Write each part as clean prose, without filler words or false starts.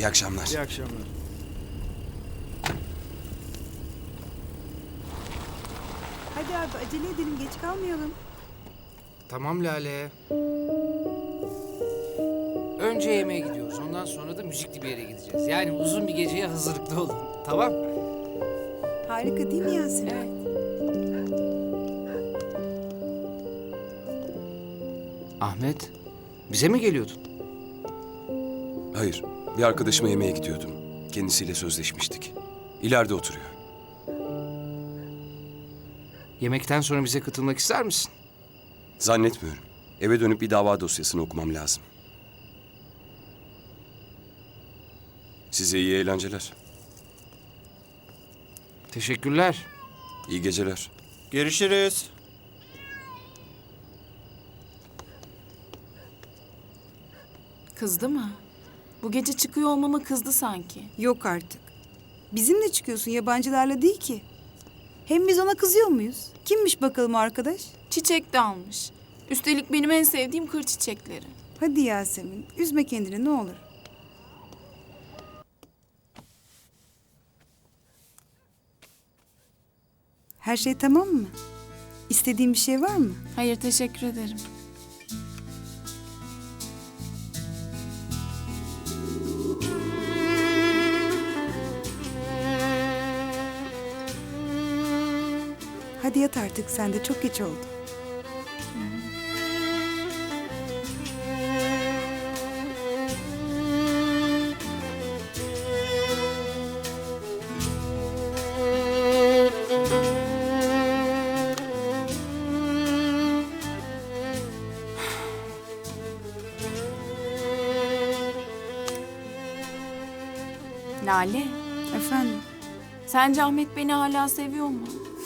İyi akşamlar. İyi akşamlar. Hadi abi acele edelim, geç kalmayalım. Tamam Lale. Önce yemeğe gidiyoruz. Ondan sonra da müzikli bir yere gideceğiz. Yani uzun bir geceye hazırlıklı olun. Tamam? Harika değil mi Yasemin? Evet. Ahmet, bize mi geliyordun? Hayır, bir arkadaşıma yemeğe gidiyordum. Kendisiyle sözleşmiştik. İleride oturuyor. Yemekten sonra bize katılmak ister misin? Zannetmiyorum. Eve dönüp bir dava dosyasını okumam lazım. Size iyi eğlenceler. Teşekkürler. İyi geceler. Görüşürüz. Kızdı mı? Bu gece çıkıyor olmama kızdı sanki. Yok artık. Bizimle çıkıyorsun, yabancılarla değil ki. Hem biz ona kızıyor muyuz? Kimmiş bakalım o arkadaş? Çiçek de almış. Üstelik benim en sevdiğim kır çiçekleri. Hadi Yasemin, üzme kendini ne olur. Her şey tamam mı? İstediğin bir şey var mı? Hayır, teşekkür ederim. Hadi yat artık, sen de çok geç oldu. Lale, Efendim, sence Ahmet beni hala seviyor mu?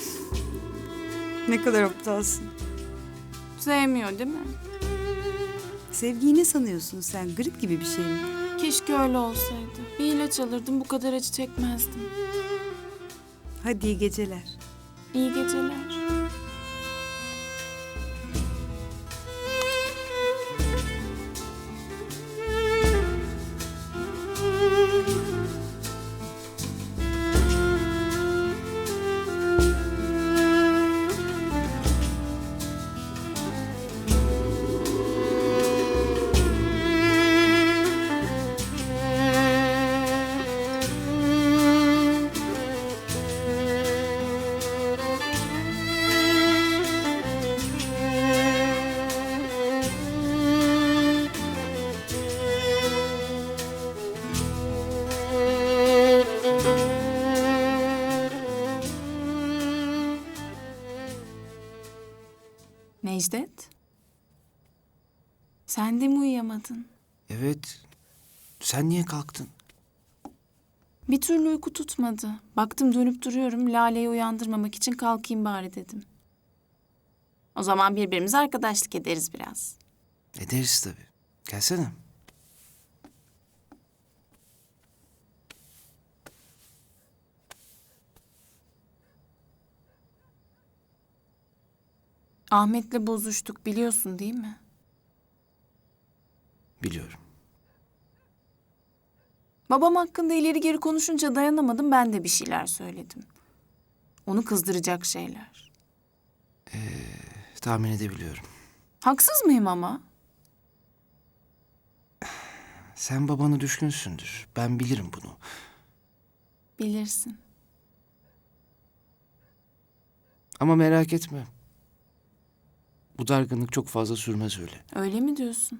ne kadar aptalsın. Sevmiyor değil mi? Sevgiyi ne sanıyorsun sen? Grip gibi bir şey mi? Keşke öyle olsaydı. Bir ilaç alırdım, bu kadar acı çekmezdim. Hadi iyi geceler. İyi geceler. Necdet? Sen de mi uyuyamadın? Evet. Sen niye kalktın? Bir türlü uyku tutmadı. Baktım dönüp duruyorum. Lale'yi uyandırmamak için kalkayım bari dedim. O zaman birbirimize arkadaşlık ederiz biraz. Ederiz tabii. Gelsene. Ahmet'le bozuştuk biliyorsun değil mi? Biliyorum. Babam hakkında ileri geri konuşunca dayanamadım, ben de bir şeyler söyledim. Onu kızdıracak şeyler. Tahmin edebiliyorum. Haksız mıyım ama? Sen babana düşkünsündür. Ben bilirim bunu. Bilirsin. Ama merak etme. Bu dargınlık çok fazla sürmez öyle. Öyle mi diyorsun?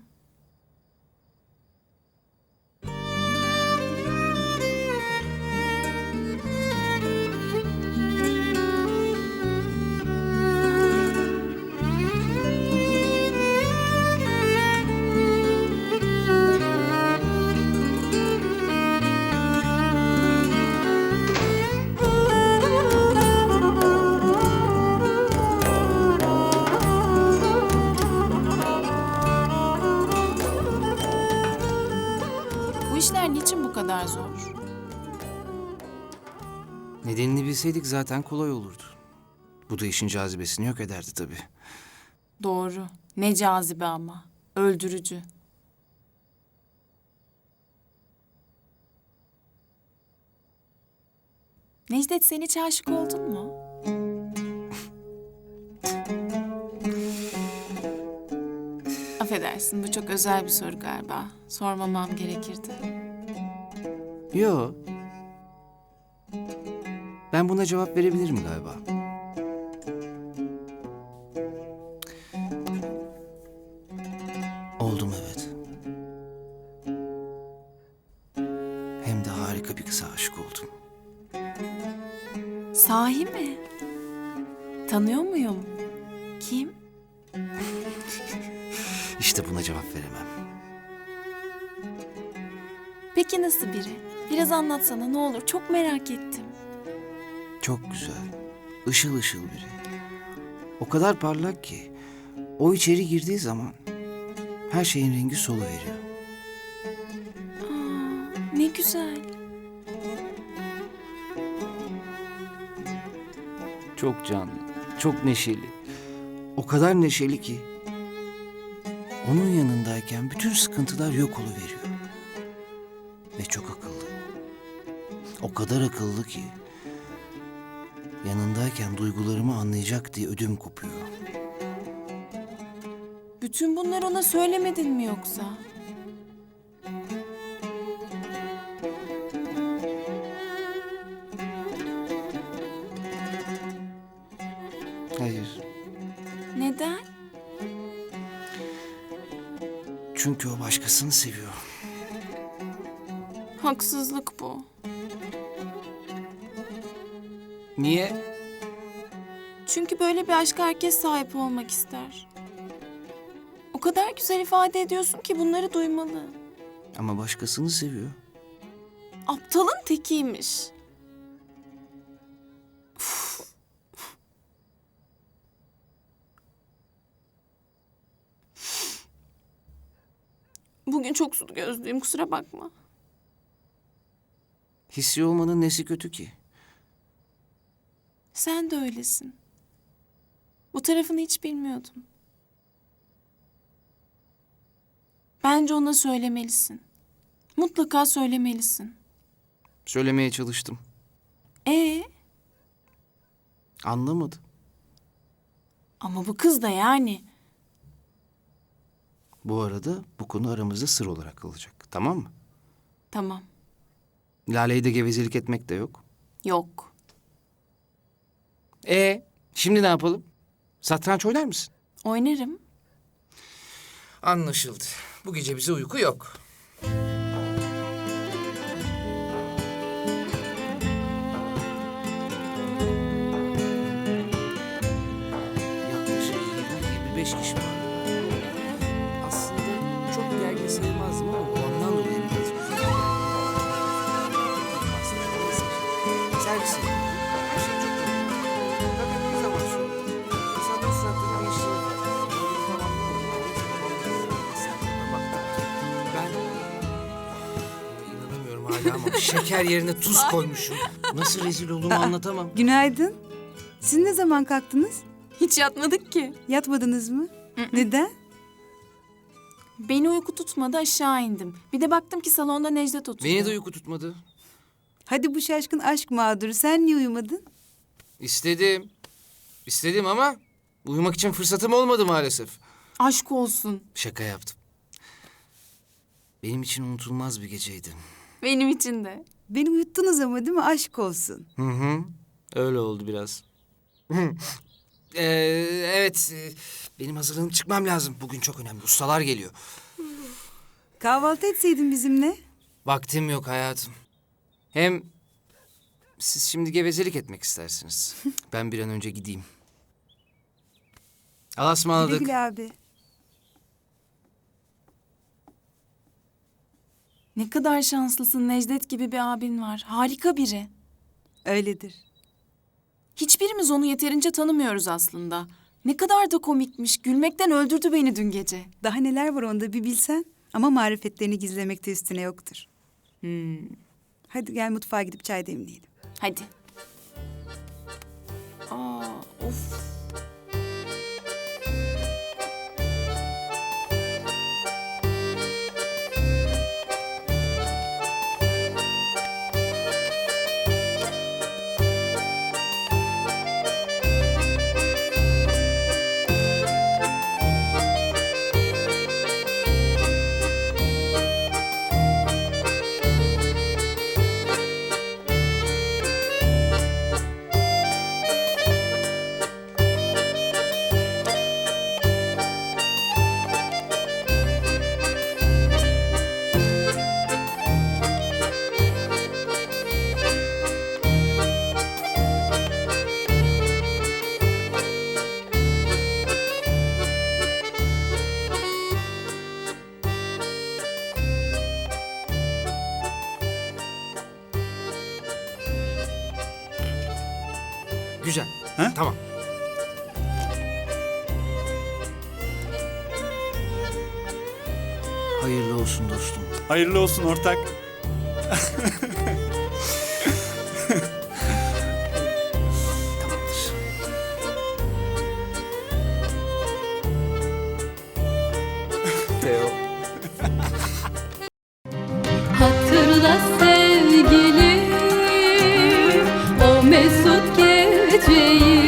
Bu işler niçin bu kadar zor? Nedenini bilseydik zaten kolay olurdu. Bu da işin cazibesini yok ederdi tabii. Doğru. Ne cazibe ama. Öldürücü. Necdet, sen hiç aşık oldun mu? Affedersin, bu çok özel bir soru galiba. Sormamam gerekirdi. Yo. Ben buna cevap verebilirim galiba. Oldum, evet. Hem de harika bir kıza aşık oldum. Sahi mi? Tanıyor muyum? Kim? İşte buna cevap veremem. Peki nasıl biri? Biraz anlatsana ne olur, çok merak ettim. Çok güzel. Işıl ışıl biri. O kadar parlak ki o içeri girdiği zaman her şeyin rengi soluveriyor. Ne güzel. Çok canlı, çok neşeli. O kadar neşeli ki onun yanındayken bütün sıkıntılar yok oluveriyor. Ve çok akıllı. O kadar akıllı ki yanındayken duygularımı anlayacak diye ödüm kopuyor. Bütün bunları ona söylemedin mi yoksa? Hayır. Neden? Çünkü o başkasını seviyor. Haksızlık bu. Niye? Çünkü böyle bir aşka herkes sahip olmak ister. O kadar güzel ifade ediyorsun ki bunları duymalı. Ama başkasını seviyor. Aptalın tekiymiş. Bugün çok sulu gözlüyüm, kusura bakma. Hissi olmanın nesi kötü ki? Sen de öylesin. Bu tarafını hiç bilmiyordum. Bence ona söylemelisin. Mutlaka söylemelisin. Söylemeye çalıştım. Ee, Anlamadı. ama bu kız da yani. Bu arada bu konu aramızda sır olarak kalacak. Tamam mı? Tamam, Lale'yi de gevezelik etmek de yok. yok. Şimdi ne yapalım? Satranç oynar mısın? Oynarım. Anlaşıldı. Bu gece bize uyku yok. Yaklaşık 20-25 kişi var. Aslında çok gergin sayılmazdım ama ondan dolayı biraz güzel. Servis yapıyor. Her şey çok iyi. Fakat bir zaman sonra insanların suratlarına geçtiğini fark ettim. Böyle bir tamam ne oldu? Neyse, babam da bak ben inanamıyorum hala ama şeker yerine tuz koymuşum. Nasıl rezil olduğumu anlatamam. Günaydın. Siz ne zaman kalktınız? Hiç yatmadık ki. Yatmadınız mı? Neden? Beni uyku tutmadı, aşağı indim. Bir de baktım ki salonda Necdet oturuyor. Beni de uyku tutmadı. Hadi bu şaşkın aşk mağduru. Sen niye uyumadın? İstedim. İstedim ama uyumak için fırsatım olmadı maalesef. Aşk olsun. Şaka yaptım. Benim için unutulmaz bir geceydi. Benim için de. Beni uyuttunuz ama değil mi? Aşk olsun. Hı hı. Öyle oldu biraz. Evet. Benim hazırlanıp çıkmam lazım. Bugün çok önemli. Ustalar geliyor. Kahvaltı etseydin bizimle. Vaktim yok hayatım. Hem siz şimdi gevezelik etmek istersiniz. Ben bir an önce gideyim. Allah'a Güle ısmarladık. güle abi. Ne kadar şanslısın, Necdet gibi bir abin var. Harika biri. Öyledir. Hiçbirimiz onu yeterince tanımıyoruz aslında. Ne kadar da komikmiş. Gülmekten öldürdü beni dün gece. Daha neler var onda bir bilsen. Ama marifetlerini gizlemekte üstüne yoktur. Hadi gel mutfağa gidip çay demleyelim. Hadi. Aa, of. Güzel. Ha? Tamam. Hayırlı olsun dostum. Hayırlı olsun ortak. Tamamdır. Teo. Hatırla sevgilim o mesut geceyi